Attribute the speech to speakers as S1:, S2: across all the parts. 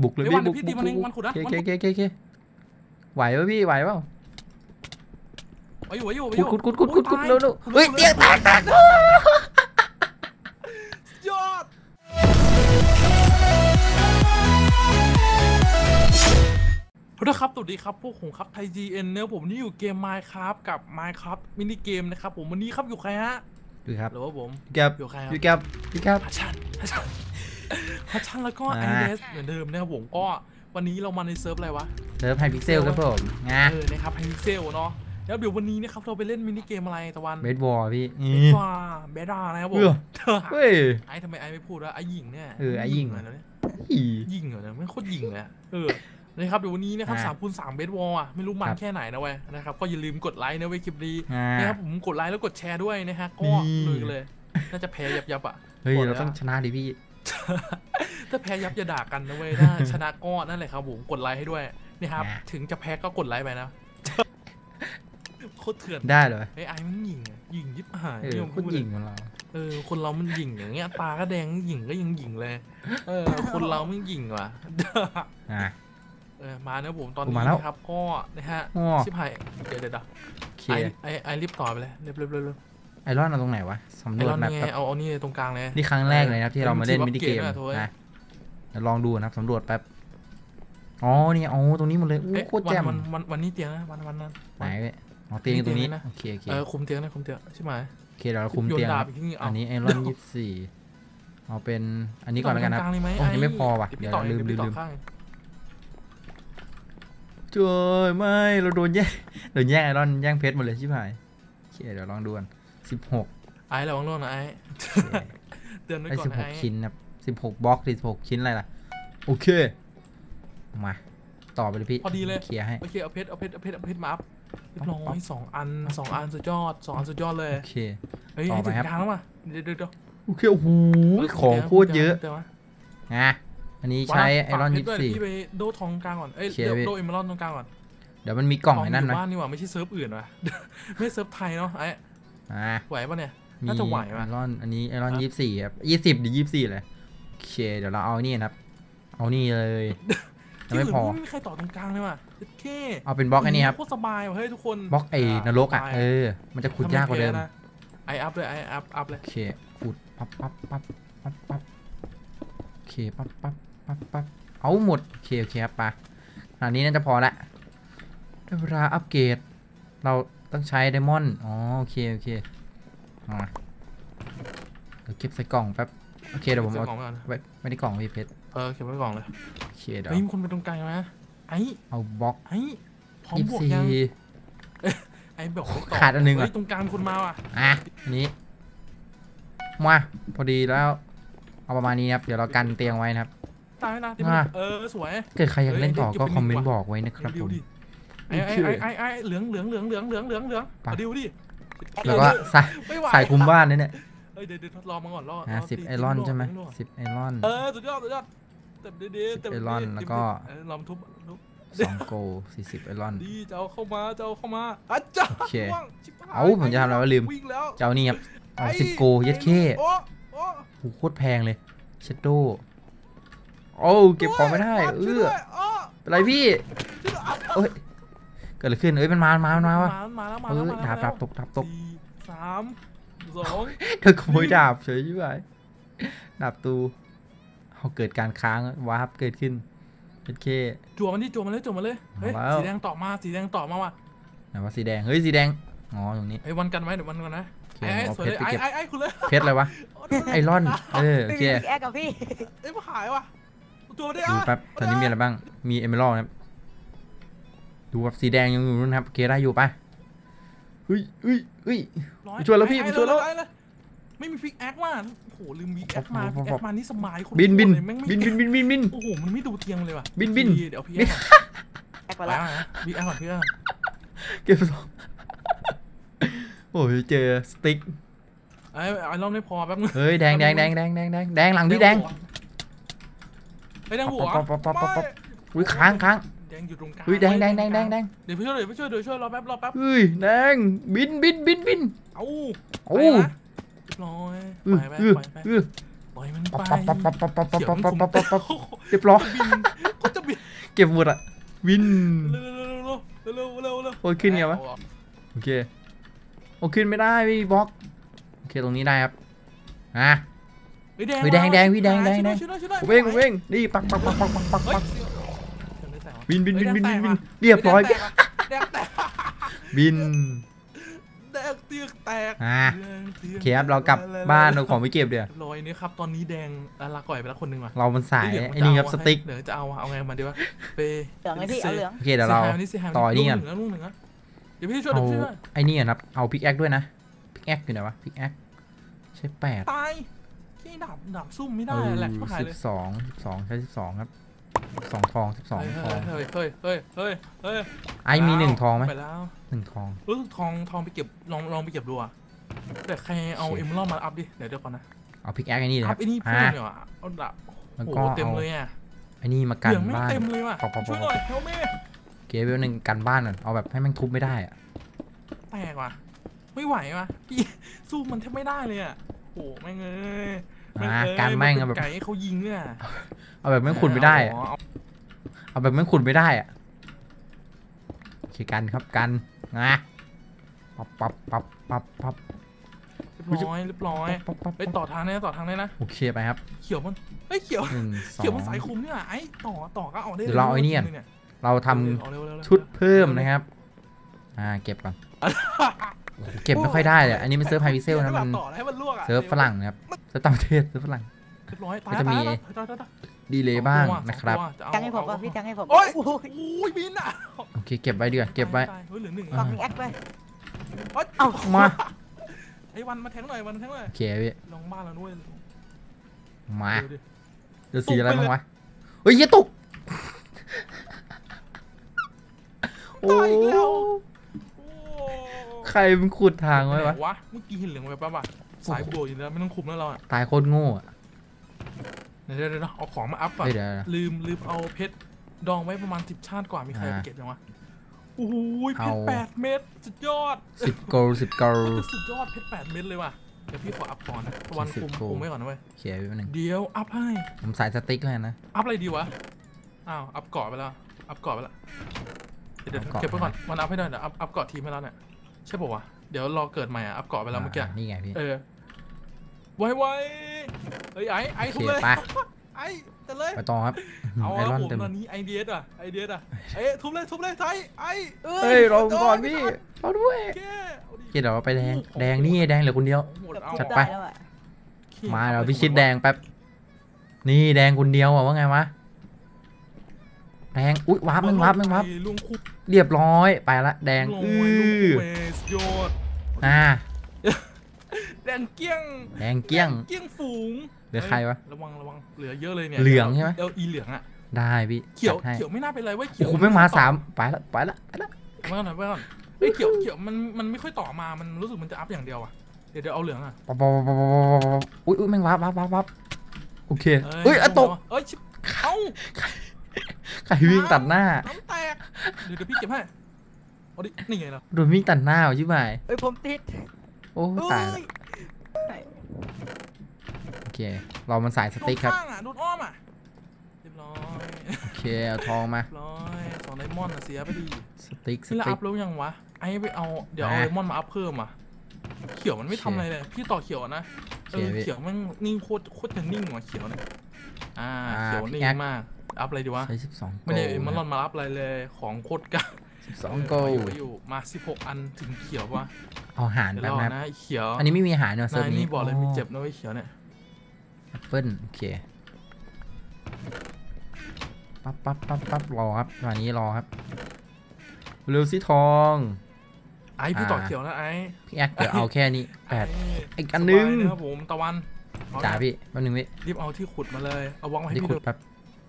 S1: บุกเลยพี่บุก
S2: พี่ตีมันเองมันขุดนะ
S1: เคไหวป่ะพี่ไหวเปล่า
S2: อยู่
S1: ขุดเร็วเฮ้ยเตียงแตก
S2: ยอดครับสวัสดีครับพวกผมครับไทย GN เนื้อผมนี่อยู่เกม Minecraft กับ Minecraft มินิเกมนะครับผมวันนี้ครับอยู่ใครฮะ
S1: ดูครับ
S2: หรือว่าผม
S1: อยู่ใครครับพี่
S2: ฮัชชันแล้วก็ไอเดสเหมือนเดิมนะครับผมก็วันนี้เรามาในเซิร์ฟอะไรวะ
S1: เซิร์ฟไฮพิกเซลครับผม
S2: นะครับไฮพิกเซลเนาะแล้วเดี๋ยววันนี้นะครับเราไปเล่นมินิเกมอะไรตะวัน
S1: เบสบอลพี่
S2: เบสบอลนะครับผม
S1: เฮ้ย
S2: ไอทำไมไอไม่พูดว่าไอหญิงเนี่ย
S1: ไอหญิง
S2: เหรอเนี่ยหญิงเหรอเนี่ยไม่โคตรหญิงเลยนะครับเดี๋ยววันนี้นะครับ3x3เบสบอลอ่ะไม่รู้มันแค่ไหนนะเว้ยนะครับก็อย่าลืมกดไลค์นะเว้ยคลิปนี้นะครับผมกดไลค์แล้วกดแชร์ด้วยนะฮะก็เลยน่าจะแพ้ยับอ่ะ
S1: เฮ้ยเราต้องชนะดิพี่
S2: ถ้าแพ้ยับอย่าด่ากันนะเว้ยถ้าชนะก็นั่นแหละครับผมกดไลค์ให้ด้วยนะครับถึงจะแพ้ก็กดไลค์ไปนะโคตรเถื่อน
S1: ได้เลย
S2: ไอ้มันหญิงยิบหาย
S1: คนหญิงของเรา
S2: คนเรามันหญิงอย่างเงี้ยตาก็แดงหญิงก็ยังหญิงเลยคนเราไม่หญิงว่ะมาเนะผมตอนนี้นะครับก็นะฮะชิบหายเดี๋ยวไอรีบต่อไปเลยเร็ว
S1: ไอรอนเอาตรงไหนวะสำรวจแบบ
S2: เอานี่ตรงกลางเลย
S1: นี่ครั้งแรกเลยนะที่เรามาเล่นมินิเกมนะเดี๋ยวลองดูนะครับสำรวจแป๊บอ๋อนี่ตรงนี้หมดเลยโคตรแจ่ม
S2: วันนี้เตียงนะวันนั้น
S1: ไหนเตียงตรงนี้โอเค
S2: คุมเตียงนะคุมเตียงใช่ไหม
S1: โอเคเดี๋ยวเราคุมเตียงอันนี้ไอรอน24เอาเป็นอันนี้ก่อนแล้วกันนะยังไม่พอว่ะเดี๋ยวลืมช่วยไม่เราโดนแย่งไอรอนแย่งเพชรหมดเลยชิบหายโอเคเดี๋ยวลองดูกัน16
S2: ไอ้ระวังโดนนะไอ้เตือนไว้ก่อนไอ้
S1: 16ชิ้นนะ16บล็อก16ชิ้นอะไรล่ะโอเคมาต่อไปเลยพี่
S2: พอดีเลย
S1: เคลียร์ให้
S2: โอเคเอาเพชรมาอัพเรียบร้อย2 อันสุดยอดเลย
S1: โอเค
S2: เฮ้ยให้ถึงกลางแล้วมาเดี๋ยว
S1: โอเคโอ้โหของโคตรเยอะนะอันนี้ใช้ไอรอน24
S2: พี่ไปโดทองกลางก่อนโดเอเมอรัลตรงกลางก่อน
S1: เดี๋ยวมันมีกล่องไอ้นั่นนะ
S2: บ้านนี่หว่าไม่ใช่เซิร์ฟอื่นว่ะไม่เซิร์ฟไทยเนาะไอ้ไหวป่ะเนี่ยน่าจะไหวป่ะ
S1: ไอรอนอันนี้ไอรอน24ครับ20 หรือ24เลยโอเคเดี๋ยวเราเอานี่นะครับเอานี่เลย
S2: ไม่พอไม่มีใครต่อตรงกลางเลยว่ะแค่
S1: เอาเป็นบล็อกไอ้นี่ครับ
S2: โคตรสบายว่ะเฮ้ยทุกคน
S1: บล็อกไอ้นรกอ่ะมันจะขุดยากกว่าเดิม
S2: ไออัพเลยไออัพเลย
S1: โอเคขุดปั๊บโอเคปั๊บเอาหมดโอเคครับปะขนาดนี้น่าจะพอละได้เวลาอัปเกรดเราต้องใช้ไดมอนด์โอเคมาเดี๋ยวเก็บใส่กล่องแป๊บโอเคเดี๋ยวผมเอาไว้ในกล่องพี่เพชร
S2: เก็บไว้กล่องเลย
S1: โอเคเดี๋ยว
S2: มีคนไปตรงกลางไหม
S1: เอาบล็อก
S2: พร้อมบวกยังไอ้บอก
S1: ขาดอันนึง
S2: ตรงกลางคนมาว่ะ
S1: อันนี้มาพอดีแล้วเอาประมาณนี้ครับเดี๋ยวเรากันเตียงไว้นะครับ
S2: ตายนะสวย
S1: เกิดใครอยากเล่นต่อก็คอมเมนต์บอกไว้นะครับผม
S2: ไอ้เหลืองดิ
S1: แล้วก็ใส่คุมบ้านเนี่ย
S2: เดี๋ยวทดลองมาก่อน
S1: 10ไอรอนใช่ไหม10ไอรอน
S2: สุดยอดเต็ม
S1: ไอรอนแล้วก็
S2: ลองทุบ
S1: 2โก40ไอรอน
S2: ดีเจ้าเข้ามาอาจารย์
S1: โอเคผมจะทำอะไรวะลืมเจ้านี่ครับ10โกยัดเข้โคตรแพงเลยเชดโดเก็บของไม่ได้เป็นไรพี่เกิดอะไรขึ้นมันมาวะดาบตก
S2: 3 2
S1: เธอขโมยดาบเฉยใช่ไหมดาบตูเกิดการค้างวาร์ปเกิดขึ้นเป็นเค
S2: จั่วมันเลยเฮ้ยสีแดงต่อมาว่ะ
S1: ไหนว่าสีแดงสีแดงตรงนี้
S2: วันกันไหมเดี๋ยววันกันนะสวยเลยไอ้คุณเลย
S1: เพชรอะไรวะไอรอนโอเค
S3: แอคกับพี่
S2: มาหายว่ะตัวได้
S1: ดูแป๊บตอนนี้มีอะไรบ้างมีเอเมอรัลด์นะครับดูแบบสีแดงยังอยู่นู่นครับเคได้อยู่ปะเฮ้ยช่วยแล้วพี่ช่วยแล้ว
S2: ไม่มีฟิกแอคว่ะโอ้โหลืมวิแอคมานี่สมัยคน
S1: บิน
S2: โอ้โหมันไม่ดูเทียงเลยว่ะ
S1: บิน
S2: เดี๋ยวพี่แอคไปแล้ววิแอคก่อนพี่
S1: เก็บสองโอ้ยเจอสติ๊ก
S2: ไอ้รอบไม่พอแป๊บนึง
S1: เฮ้ยแดงหลังพี่แดง
S2: แดงหัว
S1: อุ้ยค้าง
S2: แดงอยู่ตรงกลาง
S1: แดง
S2: เดี๋ยวพี่ช่วยรอแป๊บ
S1: เฮ้ยแดงบิน
S2: เอาร้อยปล่อยมันไป
S1: เรียบร้อยเก็บหมดอะวิน
S2: เร็ว
S1: โอ้ยขึ้นไงวะโอเคโอ้ขึ้นไม่ได้พี่บล็อกโอเคตรงนี้ได้ครับอ่ะ แดงผมเองนี่ปักบินเรียบร้อยบิน
S2: แดงเตียกแตก
S1: โอเคครับเรากลับบ้านเราของไปเก็บเดี๋ยว
S2: ลอยนี่ครับตอนนี้แดงลาก่อยไปแล้วคนหนึ่งว่ะ
S1: เรามันสายไอ้นี่ครับสติ๊ก
S2: เดี๋ยวจะเอาไงมาดีวะเป
S3: เหลืองไอ้พี่เอาเหลือง
S1: โอเคเดี๋ยวเราต่อนี่กัน
S2: ลูกหนึ่งนะเดี๋ยวพี่ช่วย
S1: เอาไอ้นี่กันครับเอาพิกแอคด้วยนะพิกแอคอยู่ไหนวะพิกแอคใช้8
S2: ตายที่ดับซุ่มไม่ได้แหละก็หายเลย
S1: 12ใช้12ครับ12ทอง12ทอง
S2: เฮ้ย
S1: ไอ้มี1ทองไหม
S2: ไปแล้ว
S1: 1ทอง
S2: ทองไปเก็บลองไปเก็บดูอ่ะแต่ใครเอาเอ็มลอมาอัพดิเดี๋ยวก่อนนะ
S1: เอาพิกแอคไอ้นี่เลยค
S2: อั
S1: รั
S2: พ
S1: บ
S2: ไอ้นี่เพิ่มเนี่ยเอาดับ
S1: แล้ว
S2: โอ้
S1: ก็
S2: เต็ม
S1: เอา
S2: เลยอ่ะ
S1: ไอ้นี่มากัน
S2: เหลืองไม่
S1: บ้าน
S2: เต็มเลยว่ะช่วยหน่อยเฮลเม่
S1: เกมเวลหนึ่งกันบ้านก่อนเอาแบบให้มันทุบไม่ได้อะ
S2: แตกว่ะไม่ไหวว่ะพี่สู้มันแทบไม่ได้เลยอ่ะโอ้แม่งเอ้ย
S1: การแม่งแบบ
S2: ไก่ให้เขายิงเนี่ย
S1: เอาแบบไม่ขุดไม่ได้อะเอาแบบไม่ขุดไม่ได้อะโอเคกันครับกันนะปั๊บ
S2: เรียบร้อยไปต่อทางได้นะ
S1: โอเคไปครับ
S2: เขียวมันเขียว
S1: 1
S2: เขียวมันสายคุมเนี่ยไอ้ต่อก็เอาได้
S1: เดี๋ยวเราเอาไอ้นี่กันเราทำชุดเพิ่มนะครับเก็บก่อนเก็บไม่ค่อยได้เลยอันนี้มันเซิร์ฟไฮพิเซลนะมันเซิร์ฟฝรั่งนะครับเซิร์ฟต่างประเทศเซิร์ฟฝรั่งก็จะมีดีเลย์บ้างนะครับ
S3: จังให้ผมป่ะพี่จังให้ผม
S2: โอ้ยบินอ่ะ
S1: โอเคเก็บไว้เดือเก็บไว้
S2: เหลือหนึ่ง
S3: ฟังแอคไป
S2: เอา
S1: มา
S2: ไอ้วันมาแทงหน่อย
S1: โอเคพี่
S2: ลงบ้านแล้วด้วย
S1: มาเดี๋ยวสีอะไรบ้างวะเฮ้ยตกโอ้ใครมันขุดทางไว้วะ
S2: เมื่อกี้เห็นเหลืองไปป่ะสายบัวอยู่แล้วไม่ต้องคุมแล้วเราอ่ะ
S1: ตายโคตรโง่อะ
S2: เดี๋ยวเอาของมาอัพก่อนลืมเอาเพชรดองไว้ประมาณ10 ชาติกว่ามีใครเก็บยังวะโอ้ยเพชร8 เม็ดสุดยอด
S1: 10 โกล
S2: สุดยอดเพชร8 เม็ดเลยว่ะเดี๋ยวพี่ขออัพก่อนนะวันคุมไว้ก่อนนะเว้ย
S1: เขียนไว้หนึ่ง
S2: เดี๋ยวอัพให้
S1: ผมสายสติ๊กเลยนะ
S2: อัพอะไรดีวะอ้าวอัพเกาะไปแล้วเดี๋ยวเก็บไว้ก่อนวันอัพให้ได้เดี๋ยวอัพเกาะทีมให้แล้วเนี่ยใช่ป่าววะเดี๋ยวรอเกิดใหม่อ่ะอัพเกาะไปแล้วเมื่อกี้
S1: นี่ไงพี่
S2: ไวเฮ้ยไอ้ทุบเลยไอ้แต่เลย
S1: ไปต่อครับ
S2: เอาผมตอนนี้ไอเดียอ่ะทุบเลยไทย
S1: เฮ้ยรอก่อนพี่รอด้วยเดี๋ยวเราไปแดงนี่แดงเหลือคนเดียวจัดไปมาเราพิชิตแดงแป๊บนี่แดงคนเดียวอ่ะว่าไงวะแดงอุ๊ยวับเรียบร้อยไปละแดง
S2: แดงเกี้ยงฝูง
S1: เหลือใครวะ
S2: ระวังเหลือเยอะเลยเนี่ย
S1: เหลืองใช่ไหม
S2: อีเหลืองอ่ะ
S1: ได้พี่
S2: เขียวไม่น่าเป็นไรเว้ยเขียว
S1: คุณไม่มา3ไปละ
S2: ไม่ก่อนเขียวมันไม่ค่อยต่อมามันรู้สึกมันจะอัพอย่างเดียวอ่ะเดี๋ยวเอาเหลืองอ่ะ
S1: อุ๊ยแม่งวับโอเคเฮ้ยตกใครวิ่งตัดหน้า
S2: น้ำแตกเดี๋ยวพี่เก็บให้เอาดินี่ไงล่ะ
S1: โดนวิ่งตัดหน้าใช่ไหม
S3: ผมติด
S1: โอ้ตายโอเคเรามันสายสติ๊กครับ
S2: โดนอ้อมอ่ะเรียบร้อย
S1: โอเคเอาทองมา
S2: 2 ไดมอนด์เสียไปดี
S1: สติ๊ก
S2: แล้วอัพแล้วยังวะไอ้ไปเอาเดี๋ยวเอาไดมอนด์มาอัพเพิ่มอ่ะเขียวมันไม่ทำอะไรเลยพี่ต่อเขียวนะเขียวมันนิ่งโคตรจะนิ่งว่ะเขียวเนี่ยเขียวนิ่งมากอัพอะไรดีวะ
S1: ใช้12
S2: ไม่ได้มันมาอัพอะไรเลยของโคตรกั
S1: 12 โก
S2: อยู่มา16 อันถึงเขียววะ
S1: เอาหารแบบ
S2: นะเขียว
S1: อันนี้ไม่มีหารเนอะเซิร์ฟนี้
S2: บอกเลยมีเจ็บนะไอ้เขียวเนี่ย
S1: แอปเปิ้ลโอเคปั๊บรอครับวันนี้รอครับเร็วสิทอง
S2: ไอพี่ต่อเขียวนะไอ
S1: พี่แอคเดี๋ยวเอาแค่นี้8อีกอันนึง
S2: ครับผมตะวัน
S1: จ่าพี่แป๊บนึงพี่
S2: รีบเอาที่ขุดมาเลยเอาวางไว้ให้พี่ดู
S1: แป๊บ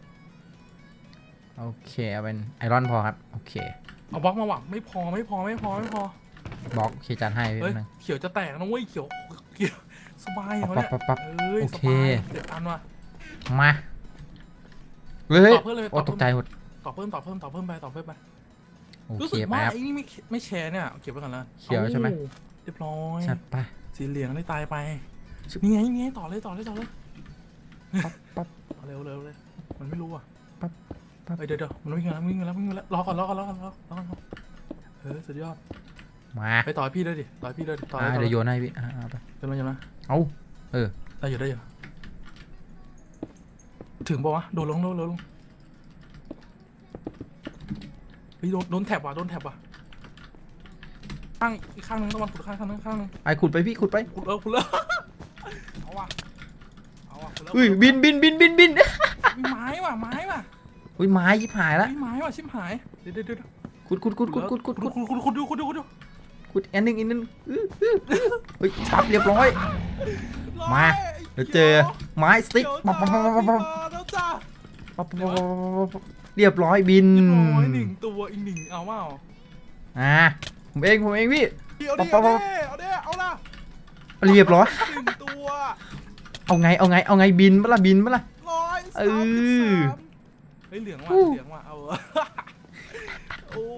S1: โอเคเอาเป็นไอรอนพอครับโอเค
S2: เอาบล็อกมาหวังไม่พอบ
S1: ล็อกโอเคจัดให้พี่นึง
S2: เขียวจะแตกนะเว้ยเขียวสบายเขาเนี่ย
S1: โอเค
S2: 7 อันว่ะ
S1: มาเฮ้ยโอ้ตกใจหมด
S2: ต่อเพิ่มไป
S1: โอเค
S2: ไปไอ้นี่ไม่แชร์เนี่ยเก็บไว้ก่อนแล้ว
S1: เขียวใช่ไหม
S2: เรียบร้อย
S1: จัดไป
S2: สีเหลืองได้ตายไปนี่ไงต่อเลย
S1: ปั๊บ
S2: เร็วเลยมันไม่รู้อ่ะเดี๋ยวมันวิ่งแล้วรอก่อนสุดยอด
S1: มา
S2: ไปต่อยพี่ด้วยดิต่อยเ
S1: ดี๋ยวโยนให้พี่ไป
S2: จะมา
S1: เอา
S2: ได้อยู่ถึงป่าวะโดนลงเฮ้ยโดนแถบว่ะข้างอีกข้างนึงต้องมันขุดข้างนึง
S1: ไอขุดไปพี่ขุดไป
S2: ขุดเลยเอาว่ะ
S1: อุ้ยบิน
S2: ไม้ว่ะ
S1: อุ้ยไม้ยิบหายละ
S2: ไม้ว่ะชิบหายเดี๋ยว
S1: ขุด
S2: ดู
S1: ขุดอันนึงเฮ้ยชับเรียบร้อยมาเดี๋ยวเจอไม้สติ๊กเรียบร้อยบิน
S2: 1 ตัวอีก1เอาเปล่า
S1: ผมเองพี่
S2: เอาละ
S1: เรียบร้อย
S2: 1 ตัว
S1: เอาไงบินปะล่ะ
S2: เฮ้ยเหลืองว่ะเอาโอ้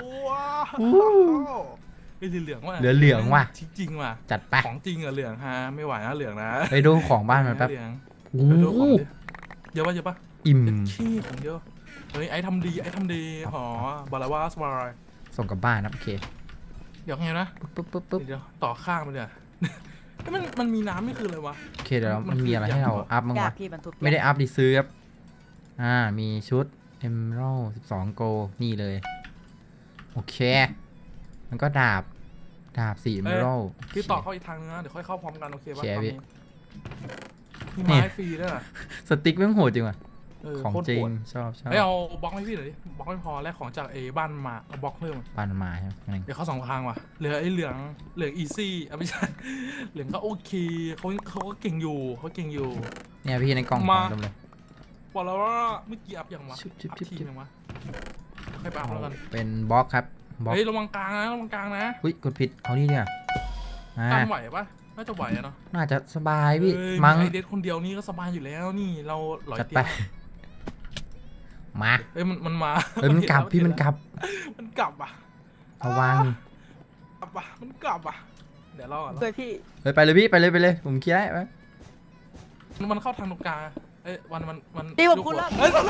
S2: เหลืองว่ะจริงว่ะ
S1: จัดไป
S2: ของจริงเหลืองฮะไม่ไหวนะเหลืองนะ
S1: ไปดูของบ้านมันแป๊บ
S2: โอ้เยอะปะ
S1: อิ่ม
S2: ขี้ของเยอะเฮ้ยไอ้ทำดีหอบาลาวาสบาย
S1: ส่งกลับบ้านนะโอเค
S2: เดี๋ยวไงนะ
S1: ปุ๊บ
S2: เดี๋ยวต่อข้างมันเนี่ยมันมีน้ำนี่คืออะไรวะ
S1: โอเคเดี๋ยวมันมีอะไรให้เราอัพมั้งวะไม่ได้อัพดิซื้อครับมีชุด Emerald 12 โกนี่เลยโอเคมันก็ดาบ4 Emerald
S2: พี่ต่อเข้าอีกทางนึงนะเดี๋ยวค่อยเข้าพร้อมกันโอเคป่ะมีไม้ฟรีด้วย
S1: สติ๊กแม่งโหดจริงว่ะของจริงชอบ
S2: เอาบล็อกให้พี่หน่อยดิบล็อกไม่พอแลกของจากบ้านมาเอาบล็อกเพิ่ม
S1: บ้านมาใช่ไหม
S2: เดี๋ยวเขา2 ทางว่ะเหลือไอ้เหลืองอีซี่ไม่ใช่เหลืองก็โอเคเขาก็เก่งอยู่
S1: เนี่ยพี่ในกล่องของดมเลย
S2: บอกแล้วว่าเมื่อกี้อัพอย่างวะทีนึงวะให้ไปอัพแล้วกัน
S1: เป็นบล็อกครับ
S2: เฮ้ยระวังกลางนะ
S1: อุ้ยกดผิดเอานี่เนี่ย
S2: การไหวปะน่าจะไหวเนาะ
S1: น่าจะสบายพี่มั้ง
S2: ไอเด็ดคนเดียวนี่ก็สบายอยู่แล้วนี่เราหลอยเตียง
S1: มา
S2: มันมา
S1: มันกลับพี่มันกลับ
S2: อ่ะ
S1: ระวัง
S2: มันกลับอ่ะเดี๋ยวรอก่อน
S3: พี่
S1: ไปเลยพี่ไปเลยผมเคลียร์ให้
S2: มันเข้าทางตรงกลางมัน
S3: ตีผมคุณแล้ว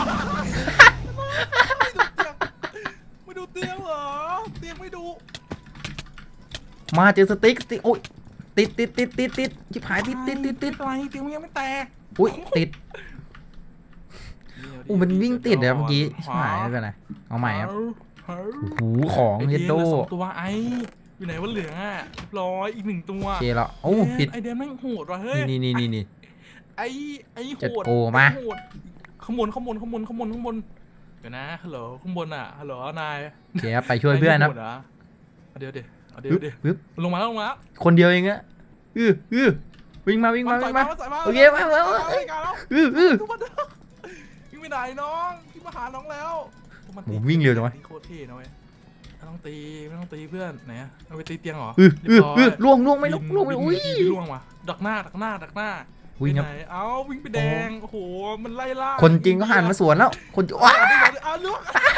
S2: ไม่ดูเตียงเหรอเตียงไม่ดู
S1: มาเจอสติ๊กโอ้ยติดชิบหายติด
S2: อะไรเตียงมันยังไม่แตก
S1: อุ้ยติดมันวิ่งติดเลยเมื่อกี้ชิบหายไม่เป็นไรเอาใหม่ครับหูของเฮดโด
S2: ตัวไออยู่ไหนว่าเหลืองร้อยอีก1 ตัว
S1: โอเคแล้วโอ้ผิด
S2: ไอเดียแม่งโหดว่ะเฮ้ย
S1: นี่
S2: ไอโหด
S1: มา
S2: ข้างบนเดี๋ยวนะฮัลโหลข้างบนฮัลโหลนาย
S1: โอเคไปช่วยเพื่อนนะ
S2: เดี๋ยวลงมา
S1: คนเดียวเองอะวิ่งมาโอเคมา
S2: วิ่งไปไหนน้องวิ่งมาหาน้องแล้ว
S1: วิ่งเร็วจังวะ
S2: โคตรเท่นะเว้ยไม่ต้องตีเพื่อนไหนเอาไปตีเตียงเหรอ
S1: ล่วงไม่ล่วงอุ้ย
S2: ล่วงว่ะดักหน้า
S1: วิ่ง
S2: เอาวิ่งไปแดงโอ้โหมันไล่ล่า
S1: คนจริงก็หันมาสวนแล้วคนว้า
S2: ล่วง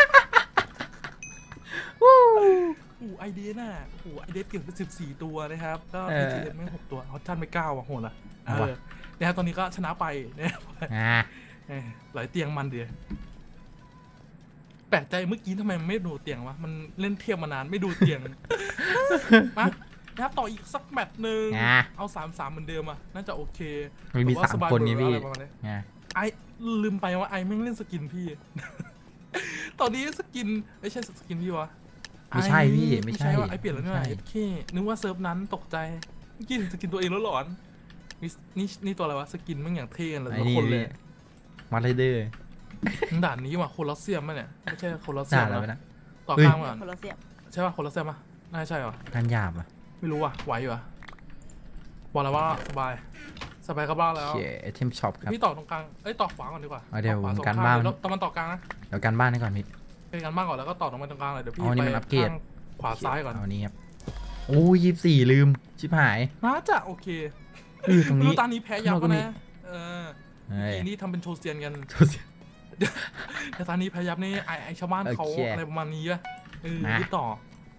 S2: ไอเดียน่ะไอเดียเก็บไป14 ตัวนะครับก็พีจีเอ็มไม่6 ตัวเขาท่านไป9ว่ะโหดละเนี่ยตอนนี้ก็ชนะไปเนี่ยหลายเตียงมันเดียวแปลกใจเมื่อกี้ทำไมไม่ดูเตียงวะมันเล่นเทียมมานานไม่ดูเตียงมานะครับต่ออีกสักแมตช์นึงเอา3-3เหมือนเดิมน่าจะโอเค
S1: มี3 คนนี้พี่
S2: ไอลืมไปว่าไอไม่เล่นสกินพี่ตอนนี้สกินไม่ใช่สกินพี่วะ
S1: ไม่ใช่พี่ไม่ใช่
S2: ว่าไอเปลี่ยนแล้วเนี่ยโอเคนึกว่าเซิร์ฟนั้นตกใจเมื่อกี้สกินตัวเองแล้วหลอนนี่ตัวอะไรวะสกินมันอย่างเท่เลยทุกคนเลย
S1: มาเลยเด้อ
S2: ด่านนี้ว่ะโคลอสเซียมมั้ยเนี่ยไม่ใช่โคลอสเซียมนะต่อข้างก่อนใช่ป่ะโคลอสเซียมป่ะน่าใช่ป่ะ
S1: การหยาบอ่ะ
S2: ไม่รู้ว่ะไหวอยู่อ่ะบอกแล้วว่าสบายกับบ้านแล้ว
S1: โอเคเทมช็อปครับ
S2: พี่ต่อตรงกลางต่อขวาก่อนดีกว่า
S1: เดี๋ยวการบ้าน
S2: ตะวันต่อกลางนะ
S1: เดี๋ยวการบ้านให้ก่อนมิด
S2: เป็นการบ้านก่อนแล้วก็ต่อตรงกลางเลยเดี๋ยวพี่
S1: ไป
S2: ขวาซ้ายก่อน
S1: อันนี้ครับโอ้24ลืมชิบหาย
S2: น่าจะโอเค
S1: ตรงนี้
S2: ตอนนี้แพ้ยับนะทีนี้ทำเป็นโชว์เซียนกันแต่ตอนนี้แพ้ยับนี่ไอชาวบ้านเขาอะไรประมาณนี้ป่ะพี่ต่อ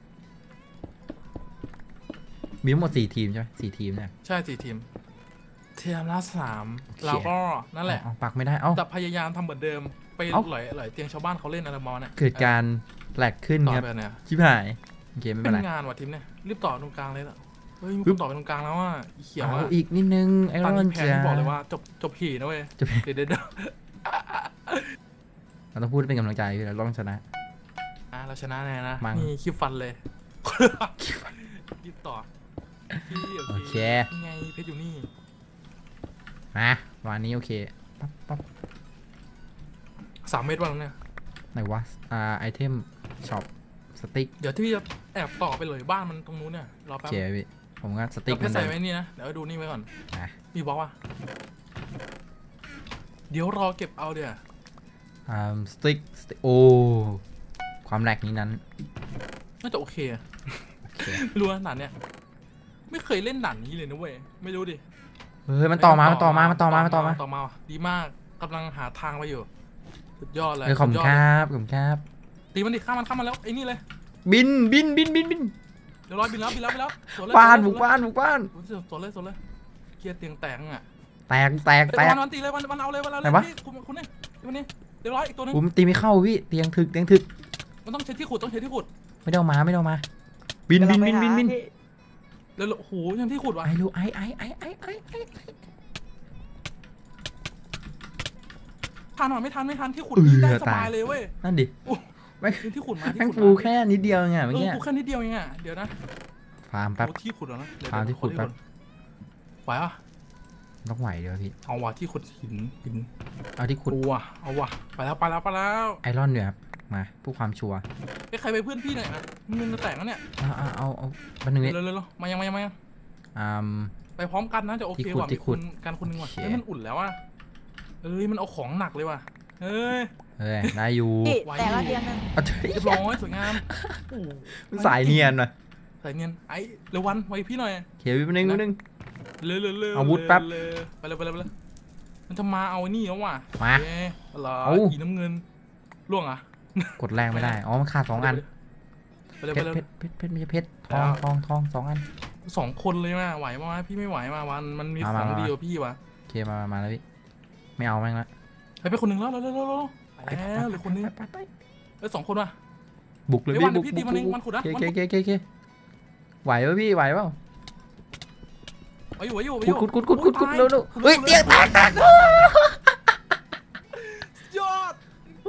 S1: มีทั้งหมด4 ทีมใช่ไหม4 ทีมเนี่ย
S2: ใช่4 ทีมเทียมละ3เราก็นั่นแหละ
S1: ปักไม่ได้เอ้า
S2: แต่พยายามทำเหมือนเดิมไปหลอยเตียงชาวบ้านเขาเล่นอะไรมอเนี่ย
S1: เกิดการแหลกขึ้น
S2: ต่อ
S1: ครับ
S2: ไปเนี่ย
S1: ชิบหายโอเคไม่
S2: เป็
S1: เป็นไร
S2: นงานว่ะทีมเนี่ยรีบต่อตรงกลางเลยล่ะเฮ้ยมีคนต่อไปตรงกลางแล้วว่าเขียว
S1: เอา
S2: อ่ะ
S1: อีกนิดนึงไอร
S2: ตอน
S1: อน
S2: นี้แพ้
S1: จ้า
S2: บอกเลยว่าจบผีนะเว้ย
S1: จบ
S2: เดี๋ยว
S1: เราต้องพูดให้เป็นกำลังใจพี่เราต้องชนะ
S2: เราชนะแน่นะ
S1: มั้ง
S2: นี่คลิปฟันเลยรีบต่อพี่
S1: โอเค
S2: นี่ไงเพชรอยู่นี่
S1: มาวันนี้โอเคปั๊บปั๊บ
S2: 3 เมตรวันเนี่ย
S1: ไหนวะไอเทมช็อปสติ๊ก
S2: เดี๋ยวที่พี่จะแอบต่อไปเลยบ้านมันตรงนู้นเนี่ยรอ
S1: โอ
S2: แป๊บ
S1: เคพี่ผมก็สติ๊
S2: เดี๋ย
S1: ก
S2: วเพชรใส่ไว้นี่นะเดี๋ยวดูนี่ไว้ก่อน
S1: อ่ะ
S2: มีบล็อกว่ะเดี๋ยวรอเก็บเอาเดี๋ยว
S1: สติ๊กโอ้ความแหลกนี้นั้น
S2: น่าจะโอเคอะ
S1: โอเค
S2: ไม่รู้นะด่านเนี่ยไม่เคยเล่นด่านนี้เลยนะเว้ยไม่รู้ดิ
S1: เฮ้ยมันต่อมา
S2: ว่ะดีมากกำลังหาทางไปอยู่สุดยอดเลย
S1: ขอบคุณครับขอบคุณครับ
S2: ตีมันดิข้ามมันแล้วไอ้นี่เลย
S1: บิน
S2: เดี๋ยวรอบินแล้วสวนเลย
S1: บ้านบุกบ้าน
S2: สวนเลยเคลียร์เตียงแตกอ่ะ
S1: แตก
S2: วันตีเลยวันเอาเลย
S1: ไหนวะ
S2: พี่คุณเนี่ยวันนี้เดี๋ยวร้อยอีกตัวนึง
S1: ผมตีไม่เข้าพี่เตียงถึก
S2: มันต้องใช้ที่ขุด
S1: ไม่ได้เอามาบิน
S3: กำลังไปหาพี่
S2: แล้วโอ้โหยังที่ขุดวะ
S1: ไอ้รู้ไอ้
S2: ทันหรอไม่ทันที่ขุดนี่ได้สบายเลยเว้ย
S1: นั่นดิ
S2: ที่ขุดมา
S1: แม่งฟูแค่นิดเดียวไงเมื่อกี้
S2: ปูแค่นิดเดียวเองอ่ะเดี๋ยวนะ
S1: ฟาร์มแป๊บ
S2: ที่ขุดแล้วนะ
S1: ฟาร์มที่ขุดแป๊บ
S2: ไหวอ่ะ
S1: ต้องไหวเดี๋ยวพี่
S2: เอาว่ะที่ขุดหิน
S1: เอาที่ขุด
S2: เอาว่ะไปแล้ว
S1: ไอรอนเนี่ยครับมาเพื่อความชัวร์
S2: ใครไปเพื่อนพี่หน่อยอ่ะเงินจะแตกแล้วเนี่ย
S1: เอาบันหนึ่งนิด
S2: เร็วมายังไปพร้อมกันนะจะโอเคกว่ามีคุณการคนนึงว่ะมันอุ่นแล้วอ่ะมันเอาของหนักเลยว่ะเฮ้ย
S1: ได้อยู่
S3: พี่แต่ละเตียงนึง
S2: เรียบร้อยสวยงาม
S1: มันสายเนียนว่ะ
S2: สายเนียนไอ้เร็ววันไว้พี่หน่อย
S1: เขียวไปนึง
S2: เร็ว
S1: อาวุธแป๊บ
S2: ไปเลยมันจะมาเอานี่แล้วว่ะ
S1: มา
S2: เอาอีน้ำเงินล่วงอ่ะ
S1: กดแรงไม่ได้อ๋อมันขาด2 อัน
S2: ไปเลย
S1: เพชรไม่ใช่เพชรทอง2 อัน
S2: 2 คนเลยมาไหวมาพี่ไม่ไหวมาวันมันมีของเดียวพี่วะ
S1: โอเคมาแล้วพี่ไม่เอาแม่งละ
S2: ไปคนหนึ่งแล้วไปแล้วหรือคนนึง2 คนว่ะ
S1: บุกเลยพี่บุกเคไหวป่ะพี่ไหวป่ะ
S2: อยู่
S1: ขุดเร็วเฮ้ยเตียงแตก
S2: ยอด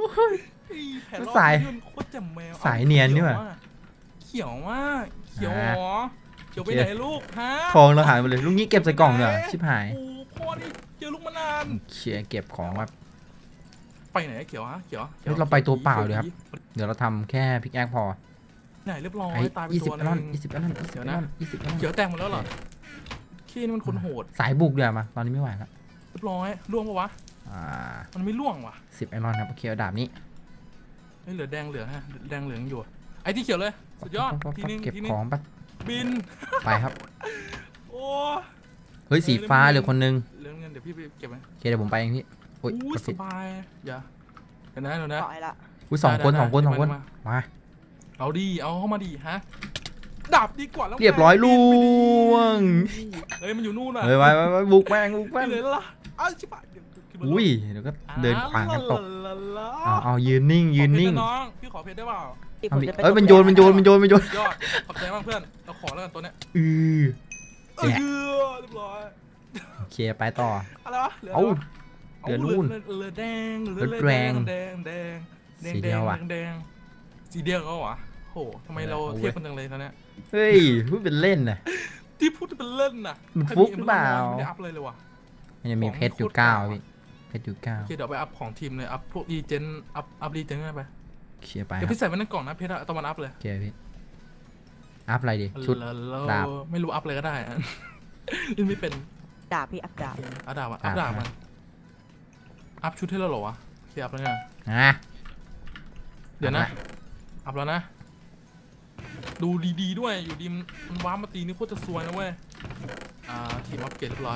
S2: โคตรจำแมว
S1: สายเนียนนี่ว่ะ
S2: เขียวมากเขียวหรอเขียวไปไหนลูกฮะ
S1: ทองเราหายไปเลยลูกนี้เก็บใส่กล่องเนี่ยชิบหาย
S2: โอ้พ่อนี่เจอลูกมานาน
S1: เขี่ยเก็บของแบบ
S2: ไปไหนเขียวฮะเขียว
S1: เราไปตัวเปล่าเลยครับเดี๋ยวเราทำแค่พิกแอคพอ
S2: ไหนเรียบร้อยตายไปตัวนึง
S1: 20 อันนั้น
S2: เขียวแตกหมดแล้วเหรอขี้นี่มันคนโหด
S1: สายบุกเดี๋ยวมาตอนนี้ไม่ไหวแล้ว
S2: เรียบร้อยล่วงปะวะมันไม่ล่วงว่ะ
S1: 10 ไอรอนครับโอเคดาบนี้
S2: เหลือแดงเหลืองฮะแดงเหลืองอยู่ไอ้ที่เขียวเลยสุดยอดทีนึง
S1: เก็บของปั๊บ
S2: บิน
S1: ไปครับ
S2: โอ้
S1: เฮ้ยสีฟ้าเหลือคนนึง
S2: เรื่องเงินเดี๋ยวพี่ไปเก็บไหม
S1: โอเคเดี๋ยวผมไปเองพี่โอ้ย
S2: สบายอย่าเดี๋ยวนะ
S3: ต่อยละ
S1: อุ้ย2 คนมา
S2: เอาดีเอาเข้ามาดีฮะดาบดีกว่าแล้ว
S1: เรียบร้อยล่วง
S2: เฮ้ยมันอยู่นู่นอ่ะ
S1: เฮ้ยไปบุกแม่ง
S2: เลยล่ะอ้าวชิบะ
S1: อุ้ยเดี๋ยวก็เดินขวางกันตกเอายืนนิ่ง
S2: น้องพี่ขอเพชรได้เปล่า
S1: เอ้ยมันโยน
S2: ยอดขอบใจมากเพื่อนเราขอแล้วกันตัวเนี้ยเรียบร้อย
S1: โอเคไปต่อ
S2: อะไรวะเหลือนู่นเหลือแดงสีเดียวก็วะโหทำไมเราเทียบกันจังเลยตอนเนี้ย
S1: เฮ้ยพูดเป็นเล่นนะ
S2: ที่พูดเป็นเล่นน่ะ
S1: มันฟุกหรือเปล่า
S2: ไม่ได้อัพเลยว่ะ
S1: มันจะมีเพชรอยู่9พี่เพชรอยู่9
S2: โอเคเดี๋ยวไปอัพของทีมเลยอัพพวกรีเจนอัพรีเจนไป
S1: เคลียร์ไป
S2: เดี๋ยวพี่ใส่ไว้ในกล่องนะเพชรตะวันอัพเลย
S1: โอเคพี่อัพอะไรดีชุดดาบ
S2: ไม่รู้อัพเลยก็ได้ยังไม่เป็น
S3: ดาบพี่อัพดาบ
S2: อัพดาบอัพดาบมันอัพชุดให้เราหรอวะเคลียร์อัพแล้วไงเดี๋ยวนะอัพแล้วนะดูดีๆด้วยอยู่ดีมันว้ามาตีนี่โคตรจะซวยนะเว้ยทีมอัพเกรดเรียบร้อย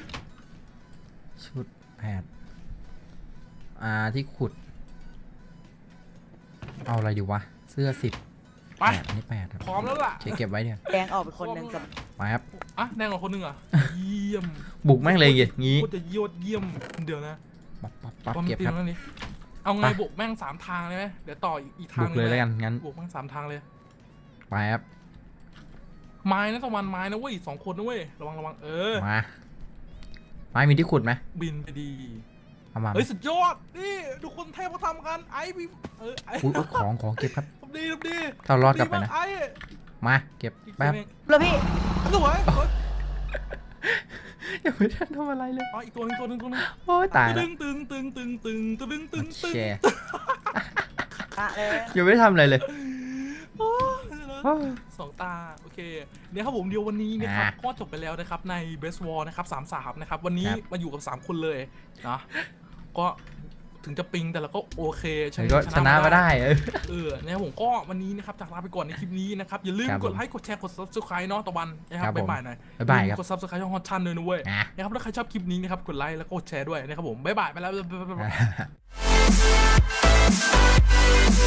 S1: ชุดแพทที่ขุดเอาอะไรดีวะเสื้อ10
S2: ไป
S1: อันนี้8ครับ
S2: พร้อมแล้วล่ะ
S1: เก็บไว้เนี่ย
S3: แดงออกไปคนนึงกับ
S1: ไปครับ
S2: แดงออกคนนึงอ่ะเยี่ยม
S1: บุกแม่งเลยอย่างงี้
S2: โคตรจะยอดเยี่ยมเดี๋ยวนะ
S1: ปั๊บเก็บครับ
S2: เอาไง
S1: ไป
S2: บวกแม่ง3 ทางเลยไหมเดี๋ยวต่ออีกทา
S1: บุ
S2: ง
S1: กเลยแล้วกันงั้น
S2: บวกแม่ง3 ทางเลย
S1: ไปครับ
S2: ไม้นะตะวันไม้นะเว้ย2 คนนะเว้ยระวัง
S1: มาไม้มีที่ขุดไหม
S2: บินไปดี
S1: เอามา
S2: เฮ้ยสุดยอดนี่ดูคนเทพเขาทำกันไอ้พี่ไอ้
S1: อุ้ยของเก็บครับ
S2: ทำดี
S1: ถ้ารอดกลับไปนะ
S2: ไอ้
S1: มาเก็บแป๊บ
S3: แล้วพี่
S2: สวย
S1: ยังไม่ทันทำอะไรเลย
S2: อ๋ออีกตัวหนึง
S1: โอ้ยตายแล้ว
S2: ตึง
S1: แชร์
S3: อะเลย
S1: ยังไม่ได้ทำอะไรเลย
S2: 2 ตาโอเคเนี่ยครับผมเดียววันนี้นะครับก็จบไปแล้วนะครับใน Best War นะครับ3-3นะครับวันนี้มาอยู่กับ3 คนเลยนะก็ถึงจะปิงแต่เราก็โอเค
S1: ก็ชนะมาได้
S2: เนี่ยผมก็วันนี้นะครับจากลาไปก่อนในคลิปนี้นะครับอย่าลืมกดไลค์กดแชร์กด Subscribe เนาะตะวันนะครับบ๊ายบายหน่อย
S1: บ๊ายบายครับ
S2: กด Subscribe ช่องฮอตชันด้วยนะเว้ยนะครับถ้าใครชอบคลิปนี้นะครับกดไลค์แล้วก็กดแชร์ด้วยนะครับผมบ๊ายบายไปแล้ว